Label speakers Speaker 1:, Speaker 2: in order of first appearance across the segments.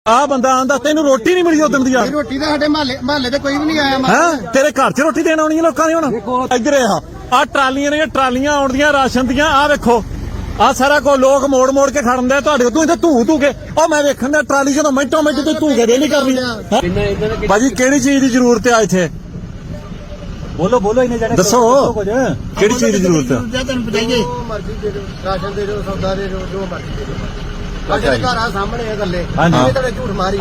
Speaker 1: ਆ ਬੰਦਾ ਆਂਦਾ ਤੈਨੂੰ ਰੋਟੀ ਨਹੀਂ ਮਿਲੀ ਉਦਣ ਦੀ ਯਾਰ।
Speaker 2: ਰੋਟੀ ਤਾਂ ਸਾਡੇ ਮਹੱਲੇ ਤੇ ਕੋਈ ਵੀ ਨਹੀਂ ਆਇਆ।
Speaker 1: ਹੈ ਤੇਰੇ ਘਰ 'ਚ ਰੋਟੀ ਦੇਣ ਆਉਣੀ ਹੈ ਲੋਕਾਂ ਦੀ। ਹੁਣ ਇੱਧਰ ਆ ਟਰਾਲੀਆਂ ਨੇ, ਟਰਾਲੀਆਂ ਆਉਣਦੀਆਂ ਰਾਸ਼ਨ ਦੀਆਂ। ਆ ਵੇਖੋ ਆ ਸਾਰਾ ਕੋ ਲੋਕ ਮੋੜ ਮੋੜ ਕੇ ਖੜਨ ਦੇ ਤੁਹਾਡੇ ਤੂੰ ਇੱਥੇ ਧੂ ਕੇ। ਉਹ ਮੈਂ ਵੇਖਣ ਦਾ ਟਰਾਲੀ ਜਦੋਂ ਮਿੰਟੋ ਮਿੰਟ ਤੇ ਧੂ ਕੇ ਦੇ ਨਹੀਂ ਕਰਨੀ। ਭਾਜੀ ਕਿਹੜੀ ਚੀਜ਼ ਦੀ ਜ਼ਰੂਰਤ ਆ ਇੱਥੇ?
Speaker 3: ਬੋਲੋ ਬੋਲੋ ਇਹਨੇ ਜਾਣੇ
Speaker 1: ਦੱਸੋ ਕਿਹੜੀ ਚੀਜ਼ ਦੀ ਜ਼ਰੂਰਤ ਆ?
Speaker 2: ਤੈਨੂੰ ਬਤਾਈਏ ਮਰਜ਼ੀ ਦੇ ਦਿਓ, ਰਾਸ਼ਨ ਦੇ ਦਿਓ, ਸੌਦਾ ਦੇ ਦਿਓ, ਜੋ ਮਰਜ਼ੀ ਦੇ ਦਿਓ। ਸਾਡੇ ਘਰ ਆ ਸਾਹਮਣੇ ਆ ਗੱਲੇ ਇਹ ਤਾਂ ਝੂਠ ਮਾਰੀ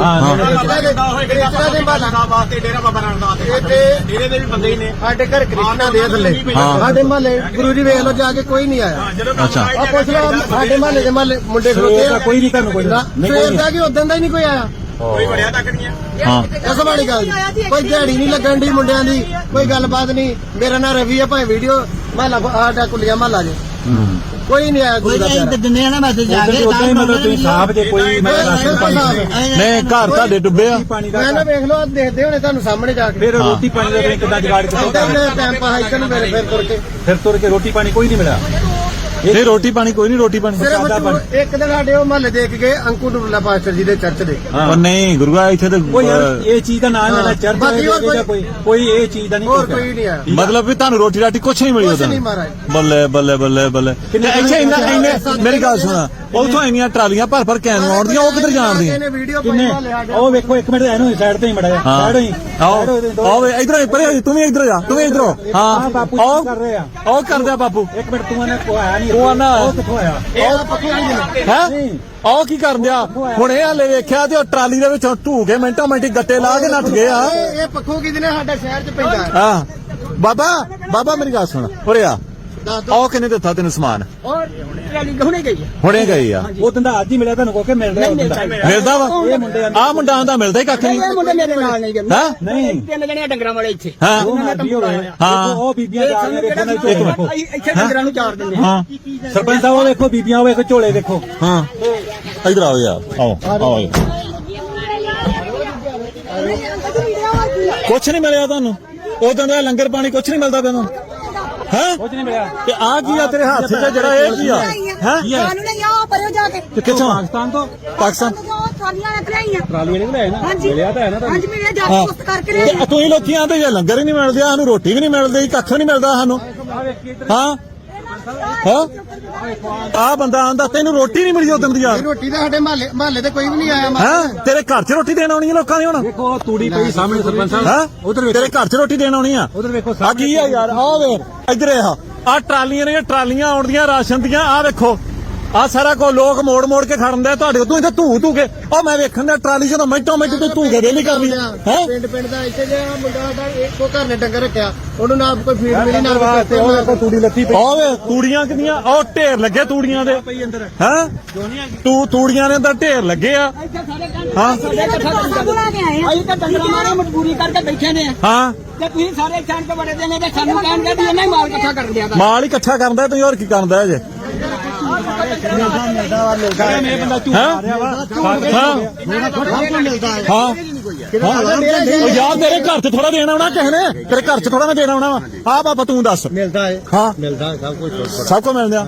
Speaker 3: ਡੇਰਾ ਬਾਬਾ ਨਾਨਕ ਡੇਰੇ ਦੇ ਵੀ ਬੰਦੇ ਹੀ ਨੇ।
Speaker 2: ਸਾਡੇ ਘਰ ਕ੍ਰਿਸ਼ਨਾ ਦੇ ਥੱਲੇ ਸਾਡੇ ਮਹੱਲੇ ਗੁਰੂ ਜੀ ਵੇਖ ਲੋ ਜਾ ਕੇ ਕੋਈ ਨਹੀਂ ਆਇਆ।
Speaker 1: ਅੱਛਾ
Speaker 2: ਆ ਪੁੱਛ ਲਓ ਸਾਡੇ ਮਹੱਲੇ ਦੇ ਮੁੰਡੇ ਖਲੋਤੇ ਆ,
Speaker 3: ਕੋਈ ਨਹੀਂ ਤੁਹਾਨੂੰ ਕੋਈ
Speaker 2: ਸਵੇਰ ਦਾ ਕਿ ਉਦੋਂ ਦਾ ਹੀ ਨਹੀਂ ਕੋਈ ਆਇਆ।
Speaker 3: ਕੋਈ ਵੜਿਆ ਤੱਕ ਨਹੀਂ
Speaker 1: ਹਾਂ
Speaker 2: ਇਸ ਵਾਲੀ ਗੱਲ ਕੋਈ ਦਿਹਾੜੀ ਨਹੀਂ ਲੱਗਣ ਦੀ ਮੁੰਡਿਆਂ ਦੀ, ਕੋਈ ਗੱਲਬਾਤ ਨਹੀਂ। ਮੇਰਾ ਨਾਂ ਰਵੀ ਆ, ਭਾਵੇਂ ਵੀਡੀਓ ਮਹੱਲਾ ਆਡਾ ਕੁਲੀਆ ਮਹੱਲਾ ਜੇ ਕੋਈ ਨਹੀਂ ਆਇਆ। ਕੋਈ ਦਿੰਦੇ ਆ ਨਾ ਮੈਸੇਜ ਜਾ ਕੇ
Speaker 3: ਮਤਲਬ ਤੁਸੀਂ ਸਾਹਬ ਜੇ ਕੋਈ
Speaker 1: ਨਹੀਂ ਘਰ ਤੁਹਾਡੇ ਡੁੱਬੇ ਆ।
Speaker 2: ਮੈਂ ਨਾ ਵੇਖ ਲਓ ਦੇਖਦੇ ਹੋਣੇ ਤੁਹਾਨੂੰ ਸਾਹਮਣੇ ਜਾ ਕੇ।
Speaker 3: ਫਿਰ ਰੋਟੀ ਪਾਣੀ ਦਾ ਕਿੱਦਾਂ ਜਗਾੜ
Speaker 2: ਟਾਈਮ ਪਾਸ ਇੱਧਰ ਨੂੰ
Speaker 3: ਫਿਰ ਤੁਰ ਕੇ ਰੋਟੀ ਪਾਣੀ ਕੋਈ ਨਹੀਂ ਮਿਲਿਆ।
Speaker 1: ਇਹ ਰੋਟੀ ਪਾਣੀ ਕੋਈ ਨਹੀਂ। ਰੋਟੀ ਪਾਣੀ
Speaker 2: ਸਿਰਫ ਇੱਕ ਦਿਨ ਸਾਡੇ ਉਹ ਮਹੱਲੇ ਦੇਖ ਗਏ ਅੰਕੂ ਡੁੱਲਾ ਪਾਸਟਰ ਜੀ ਦੇ ਚਰਚ ਦੇ।
Speaker 1: ਉਹ ਨਹੀਂ ਗੁਰੂਆ ਇੱਥੇ ਤਾਂ
Speaker 3: ਕੋਈ ਇਹ ਚੀਜ਼ ਦਾ ਨਾਮ ਲੈਣਾ ਚਰਚ ਕੋਈ ਇਹ ਚੀਜ਼ ਦਾ ਨਹੀਂ।
Speaker 2: ਹੋਰ ਕੋਈ ਨਹੀਂ ਆਇਆ।
Speaker 1: ਮਤਲਬ ਵੀ ਤੁਹਾਨੂੰ ਰੋਟੀ ਰਾਟੀ ਕੁਛ ਨਹੀਂ ਮਿਲੀ
Speaker 2: ਕੁਛ
Speaker 1: ਉਦੋਂ?
Speaker 2: ਨਹੀਂ ਮਹਾਰਾਜ।
Speaker 1: ਬੱਲੇ ਬੱਲੇ ਬੱਲੇ ਬੱਲੇ। ਇੱਥੇ ਇੰਨੇ ਮੇਰੀ ਗੱਲ ਸੁਣਾ, ਉਥੋਂ ਇੰਨੀਆਂ ਟਰਾਲੀਆਂ ਭਰ ਭਰ ਕੈਨ ਆਉਣਦੀਆਂ, ਉਹ ਕਿੱਧਰ ਜਾਣਦੀਆਂ?
Speaker 3: ਉਹ ਵੇਖੋ ਇੱਕ ਮਿੰਟ ਇਹਨੂੰ ਸਾਈਡ ਤੇ ਹੀ ਮੜਾ ਜਾ ਸਾਈਡ ਹੀ
Speaker 1: ਆਓ ਇਧਰ ਪਰੇ, ਤੂੰ ਵੀ ਇਧਰ ਜਾ, ਤੂੰ ਵੀ ਇਧਰੋਂ। ਹਾਂ
Speaker 3: ਬਾਪੂ ਕਰ ਰਹੇ ਆ,
Speaker 1: ਉਹ ਕਰਦਾ ਬਾਪੂ।
Speaker 3: ਇੱਕ ਮਿੰਟ ਤੂੰ ਕੋ ਆਇਆ ਨਹੀਂ।
Speaker 1: ਉਹ ਨਾ
Speaker 3: ਉਹ ਕਿੱਥੋਂ ਆਇਆ?
Speaker 1: ਹੈ ਉਹ ਕੀ ਕਰਨ ਦਿਆ? ਹੁਣ ਇਹ ਹਲੇ ਵੇਖਿਆ ਤੇ ਉਹ ਟਰਾਲੀ ਦੇ ਵਿੱਚੋਂ ਢੂ ਕੇ ਮਿੰਟੋ ਮਿੰਟੀ ਗੱਟੇ ਲਾ ਕੇ ਨੱਠ ਗਏ ਆ।
Speaker 2: ਇਹ ਪੱਖੋਂ ਕਿਹਦੇ ਨੇ ਸਾਡੇ ਸ਼ਹਿਰ ਚ ਪੈਂਦਾ।
Speaker 1: ਹਾਂ ਬਾਬਾ ਮੇਰੀ ਗੱਲ ਸੁਣ ਉਰੇ ਆ। ਉਹ ਕਿੰਨੇ ਦਿੱਤਾ ਤੈਨੂੰ ਸਮਾਨ? ਹੁਣੇ ਗਈ ਆ।
Speaker 3: ਉਹ ਦਿਨ ਦਾ ਅੱਜ ਹੀ ਮਿਲਿਆ ਤੁਹਾਨੂੰ ਕੋ ਕੇ ਮਿਲ ਰਿਹਾ
Speaker 1: ਮਿਲਦਾ ਵਾ? ਆ ਮੁੰਡਾ ਆਂਦਾ ਮਿਲਦਾ ਹੀ ਕੱਖ ਨਹੀਂ।
Speaker 3: ਨਹੀਂ
Speaker 4: ਤਿੰਨ ਜਣੇ ਡੰਗਰਾਂ ਵਾਲੇ ਇੱਥੇ
Speaker 1: ਹਾਂ
Speaker 3: ਉਹ ਬੀਬੀਆਂ ਜਾ ਰਹੀਆਂ ਵੇਖੋ
Speaker 4: ਇੱਥੇ ਡੰਗਰਾਂ ਨੂੰ ਚਾਰ ਦਿੰਦੇ
Speaker 1: ਹਾਂ
Speaker 3: ਸਰਪੰਚ ਸਾਹਿਬ ਉਹ ਵੇਖੋ ਬੀਬੀਆਂ ਉਹ ਵੇਖੋ ਝੋਲੇ ਦੇਖੋ।
Speaker 1: ਹਾਂ ਇਧਰ ਆਓ ਯਾਰ, ਆਓ ਕੁਛ ਨਹੀਂ ਮਿਲਿਆ ਤੁਹਾਨੂੰ ਉਦੋਂ ਦਾ? ਲੰਗਰ ਪਾਣੀ ਕੁਛ ਨਹੀਂ ਮਿਲਦਾ ਤੈਨੂੰ? ਹੈ
Speaker 3: ਕੁਝ ਨਹੀਂ ਮਿਲਿਆ।
Speaker 1: ਤੇ ਆ ਕੀ ਆ ਤੇਰੇ ਹੱਥ 'ਚ ਜਿਹੜਾ? ਇਹ ਕੀ ਆ? ਹੈ
Speaker 5: ਸਾਨੂੰ ਨਹੀਂ ਆ ਪਰਿਓ ਜਾ ਕੇ
Speaker 1: ਕਿੱਥੋਂ?
Speaker 3: ਪਾਕਿਸਤਾਨ ਤੋਂ।
Speaker 1: ਪਾਕਿਸਤਾਨ
Speaker 5: ਸਾਰੀਆਂ ਰੱਖ ਲਈਆਂ।
Speaker 3: ਟਰਾਲੀਆਂ ਨਹੀਂ ਲਿਆਏ ਨਾ। ਮਿਲਿਆ ਤਾਂ ਹੈ ਨਾ।
Speaker 5: ਹਾਂਜੀ ਮੇਰੇ ਜਾ ਕੇ ਪੁੱਤ ਕਰਕੇ ਲੈ
Speaker 1: ਤੇ ਤੁਸੀਂ ਲੋਕੀ ਆਂਦੇ ਜੇ ਲੰਗਰ ਹੀ ਨਹੀਂ ਮਿਲਦੇ, ਸਾਨੂੰ ਰੋਟੀ ਵੀ ਨਹੀਂ ਮਿਲਦੀ, ਕੱਖ ਨਹੀਂ ਮਿਲਦਾ ਸਾਨੂੰ। ਹਾਂ ਆ ਬੰਦਾ ਆਂਦਾ ਤੈਨੂੰ ਰੋਟੀ ਨਹੀਂ ਮਿਲੀ ਉਦੋਂ ਦੀ ਯਾਰ।
Speaker 2: ਰੋਟੀ ਤਾਂ ਸਾਡੇ ਮਹੱਲੇ ਤੇ ਕੋਈ ਵੀ ਨਹੀਂ ਆਇਆ।
Speaker 1: ਹੈ ਤੇਰੇ ਘਰ 'ਚ ਰੋਟੀ ਦੇਣ ਆਉਣੀ ਹੈ ਲੋਕਾਂ ਦੀ। ਹੁਣ
Speaker 3: ਦੇਖੋ ਤੂੜੀ ਪਈ ਸਾਹਮਣੇ ਸਰਪੰਚ ਸਾਹਿਬ।
Speaker 1: ਹੈ
Speaker 3: ਉਧਰ
Speaker 1: ਤੇਰੇ ਘਰ 'ਚ ਰੋਟੀ ਦੇਣ ਆਉਣੀ ਆ।
Speaker 3: ਉਧਰ ਵੇਖੋ
Speaker 1: ਆ ਕੀ ਆ ਯਾਰ? ਆ ਵੇਖ ਇੱਧਰ ਆ ਟਰਾਲੀਆਂ ਨੇ, ਟਰਾਲੀਆਂ ਆਉਣਦੀਆਂ ਰਾਸ਼ਨ ਦੀਆਂ। ਆ ਵੇਖੋ ਆ ਸਾਰਾ ਕੋ ਲੋਕ ਮੋੜ ਮੋੜ ਕੇ ਖੜਨ ਦੇ ਤੁਹਾਡੇ ਤੂੰ ਇੱਥੇ ਧੂ ਕੇ। ਉਹ ਮੈਂ ਵੇਖਣ ਦਾ ਟਰਾਲੀ ਜਦੋਂ ਮਿੰਟੋ ਮਿੰਟ ਤੇ ਧੂ ਕੇ ਦੇ ਨਹੀਂ ਕਰਨੀ। ਹੈ
Speaker 2: ਪਿੰਡ ਦਾ ਇੱਥੇ ਜਿਹੜਾ ਮੁੰਡਾ ਦਾ ਇੱਕੋ ਘਰ ਨੇ ਡੰਗਰ ਰੱਖਿਆ, ਉਹਨੂੰ ਨਾ ਕੋਈ ਫੀਡ ਮਿਲੀ ਨਾ
Speaker 3: ਵਾਸਤੇ ਉਹ ਵੇਖੋ ਤੂੜੀ ਲੱਤੀ ਪਈ।
Speaker 1: ਓਏ ਤੂੜੀਆਂ ਕਿਦੀਆਂ? ਉਹ ਢੇਰ ਲੱਗੇ ਤੂੜੀਆਂ ਦੇ। ਹੈ ਤੂੰ ਤੂੜੀਆਂ ਦੇ ਅੰਦਰ ਢੇਰ ਲੱਗੇ ਆ। ਹਾਂ
Speaker 4: ਅਸੀਂ ਤਾਂ ਡੰਗਰਾਂ ਮਾਰੇ ਮਜਬੂਰੀ ਕਰਕੇ ਬੈਠੇ ਨੇ।
Speaker 1: ਹਾਂ
Speaker 4: ਤੇ ਤੁਸੀਂ ਸਾਰੇ ਛਾਣ ਕੇ ਬੜੇ ਦੇਣੇ ਤੇ ਸਾਨੂੰ ਕਹਿਣਗੇ ਵੀ ਇਹਨਾਂ ਹੀ ਮਾਲ ਇਕੱਠਾ ਕਰ ਦਿਆ।
Speaker 1: ਮਾਲ ਹੀ ਇਕੱਠਾ ਕਰਦਾ ਤੁਸੀਂ, ਹੋਰ ਕੀ ਕਰਦਾ ਜੇ? ਯਾਰ ਤੇਰੇ ਘਰ 'ਚ ਥੋੜਾ ਦੇਣਾ ਆਉਣਾ ਕਿਸੇ ਨੇ, ਤੇਰੇ ਘਰ 'ਚ ਥੋੜਾ ਨਾ ਦੇਣਾ ਆਉਣਾ ਵਾ। ਆ ਬਾਬਾ ਤੂੰ ਦੱਸ।
Speaker 2: ਮਿਲਦਾ ਹੈ।
Speaker 1: ਹਾਂ
Speaker 2: ਮਿਲਦਾ ਸਭ ਕੁਝ
Speaker 1: ਸਭ ਕੋ ਮਿਲਦਾ।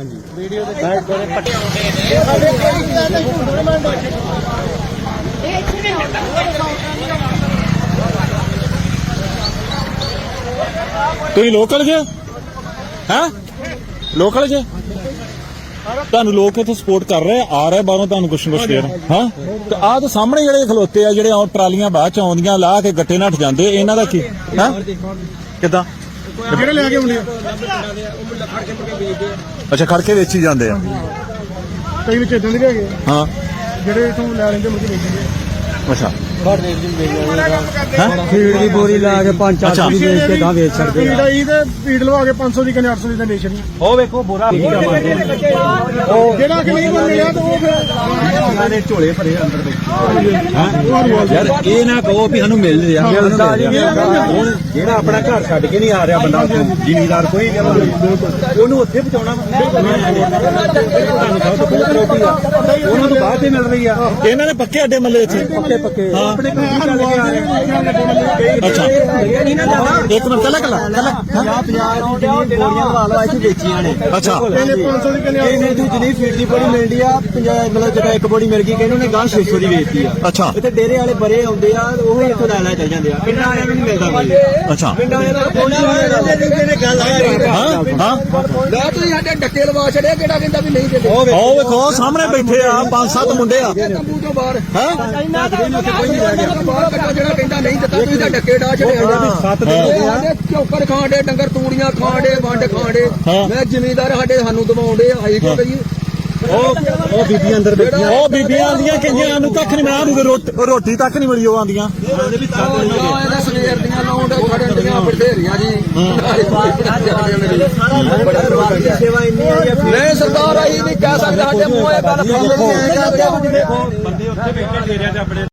Speaker 1: ਤੁਸੀਂ ਲੋਕਲ ਜੇ? ਹੈ ਲੋਕਲ ਜੇ? ਤੁਹਾਨੂੰ ਲੋਕ ਇੱਥੇ ਸਪੋਰਟ ਕਰ ਰਹੇ ਆ ਰਹੇ ਬਾਹਰੋਂ ਤੁਹਾਨੂੰ ਕੁਛ ਨਾ ਕੁਛ ਦੇ ਰਹੇ। ਹਾਂ ਤੇ ਆਹ ਤਾਂ ਸਾਹਮਣੇ ਜਿਹੜੇ ਖਲੋਤੇ ਆ, ਜਿਹੜੇ ਟਰਾਲੀਆਂ ਬਾਅਦ ਚ ਆਉਂਦੀਆਂ ਲਾ ਕੇ ਗੱਟੇ ਨੱਠ ਜਾਂਦੇ, ਇਹਨਾਂ ਦਾ ਕੀ? ਹੈ ਕਿੱਦਾਂ?
Speaker 2: ਜਿਹੜੇ ਲੈ ਕੇ ਆਉਂਦੇ ਆ
Speaker 1: ਅੱਛਾ ਖੜ ਕੇ ਵੇਚੀ ਜਾਂਦੇ ਆ।
Speaker 2: ਕਈ ਵਿੱਚ ਇਦਾਂ ਦੇ ਵੀ ਹੈਗੇ
Speaker 1: ਹਾਂ
Speaker 2: ਜਿਹੜੇ ਇਥੋਂ ਲੈ ਲੈਂਦੇ ਮੁੜ ਕੇ ਵੇਚਦੇ।
Speaker 1: ਅੱਛਾ
Speaker 3: ਫੀਡ ਦੀ ਬੋਰੀ ਲਾ ਕੇ 5-4 ਦੀ ਵੇਚ ਕੇ ਗਾਂ ਵੇਚ ਸਕਦੇ
Speaker 2: ਫੀਡ ਆਈ ਤੇ ਫੀਡ ਲਵਾ ਕੇ 500 ਦੀ ਕਨੇ 800 ਦੀ ਤਾਂ ਵੇਚਣੀ।
Speaker 3: ਉਹ ਵੇਖੋ ਬੋਰਾ
Speaker 2: ਉਹ ਜਿਹੜਾ ਕਿ ਨਹੀਂ ਮਿਲਿਆ ਤਾਂ ਉਹ ਫਿਰ
Speaker 3: ਦੇ ਝੋਲੇ ਭਰੇ ਅੰਦਰ ਦੇ। ਯਾਰ ਇਹ ਨਾ ਕਹੋ ਵੀ ਸਾਨੂੰ ਮਿਲ ਰਿਹਾ। ਹੁਣ ਜਿਹੜਾ ਆਪਣਾ ਘਰ ਛੱਡ ਕੇ ਨਹੀਂ ਆ ਰਿਹਾ ਬੰਦਾ, ਜ਼ਿਮੀਦਾਰ ਕੋਈ ਉਹਨੂੰ ਉੱਥੇ ਪਹੁੰਚਾਉਣਾ ਉਹਨਾਂ ਤੋਂ ਬਾਅਦ ਤੇ ਮਿਲ ਰਹੀ ਆ।
Speaker 1: ਇਹਨਾਂ ਨੇ ਪੱਕੇ ਅੱਡੇ ਮੱਲੇ ਇੱਥੇ
Speaker 3: ਪੱਕੇ
Speaker 1: ਹਾਂ
Speaker 3: ਆਪਣੇ ਘਰ ਚੱਲ ਕੇ ਆ ਰਹੇ
Speaker 1: ਅੱਛਾ ਇੱਕ ਮਿੰਟ ਕੱਲਾ ਕੱਲਾ
Speaker 2: 50 ਗੋਲੀਆਂ ਲਵਾ ਲਵਾ ਇੱਥੇ ਵੇਚੀਆਂ ਨੇ
Speaker 1: ਅੱਛਾ
Speaker 2: ਇਹਨੇ ਦੀ ਜਿੰਨੀ ਫੀਡ ਦੀ ਬੋੜੀ ਮਿਲਦੀ ਆ ਮਤਲਬ ਜਿਹੜਾ ਇੱਕ ਬੋੜੀ ਮਿਲ ਗਈ ਕਿ ਉਹਨੇ ਗਾਂ 600 ਦੀ ਵੇਚਤੀ ਆ
Speaker 1: ਅੱਛਾ
Speaker 2: ਇੱਥੇ ਡੇਰੇ ਵਾਲੇ ਬਰੇ ਆਉਂਦੇ ਆ ਉਹ ਹੀ ਇੱਥੋਂ ਲੈ ਚੱਲ ਜਾਂਦੇ ਆ ਪਿੰਡਾਂ ਵਾਲਿਆਂ ਨੂੰ ਨਹੀਂ ਮਿਲਦਾ ਕੋਈ
Speaker 1: ਅੱਛਾ
Speaker 2: ਪਿੰਡਾਂ ਵਾਲਿਆਂ ਦਾ ਕੋਈ ਨਹੀਂ ਗੱਲ ਆ
Speaker 1: ਹਾਂ ਹਾਂ
Speaker 4: ਲੈ ਤੁਸੀਂ ਸਾਡੇ ਡੱਕੇ ਲਵਾ ਛੜਿਆ ਕਿਹੜਾ ਕਹਿੰਦਾ ਵੀ ਨਹੀਂ ਦਿੰਦੇ
Speaker 1: ਉਹ ਵੇਖੋ ਸਾਹਮਣੇ ਬੈਠੇ ਆ 5-7 ਮੁੰਡੇ ਆ
Speaker 4: ਤੰਬੂ ਤੋਂ ਬਾਹਰ
Speaker 1: ਹੈ
Speaker 4: ਕੋਈ ਨਹੀਂ ਰਹਿ ਗਿਆ ਬਾਹਰ ਕੱਢੋ ਜਿਹੜਾ ਕਹਿੰਦਾ ਨਹੀਂ ਦਿੱਤਾ ਤੁਸੀਂ ਤਾਂ ਡੱਕੇ ਡਾ ਛੜਿਆ ਸਾਡੇ ਚੌਕਰ ਖਾਂਡੇ ਡੰਗਰ ਤੂੜੀਆਂ ਖਾਂਡੇ ਵੰਡ ਖਾਂਡੇ ਮੈਂ ਜ਼ਿਮੀਂਦਾਰ ਸਾਨੂੰ ਦਬਾਉਂਦੇ ਆਈ ਕਿਉਂ ਕਰੀਏ
Speaker 3: ਉਹ ਬੀਬੀਆਂ ਅੰਦਰ ਬੈਠੀਆਂ
Speaker 1: ਉਹ ਬੀਬੀਆਂ ਆਂਦੀਆਂ ਕਈਆਂ ਨੂੰ ਕੱਖ ਨਹੀਂ ਮਿਲਿਆ ਨੂੰ ਰੋਟੀ ਤੱਕ ਨਹੀਂ ਮਿਲੀ ਉਹ ਆਂਦੀਆਂ
Speaker 4: ਇਹਦਾ ਸਵੇਰ ਦੀਆਂ ਲਾਉਂਦੇ ਖੜਨ ਦੀਆਂ ਬਥੇਰੀਆਂ ਜੀ
Speaker 2: ਸੇਵਾ ਇੰਨੀ ਆ
Speaker 4: ਨਹੀਂ ਸਰਦਾਰ ਆਈ ਨਹੀਂ ਕਹਿ ਸਕਦਾ ਸਾਡੇ ਮੂੰਹ ਇਹ ਗੱਲ
Speaker 3: ਬੰਦੇ ਉੱਥੇ ਬੈਠੇ ਡੇਰਿਆਂ 'ਚ ਆਪਣੇ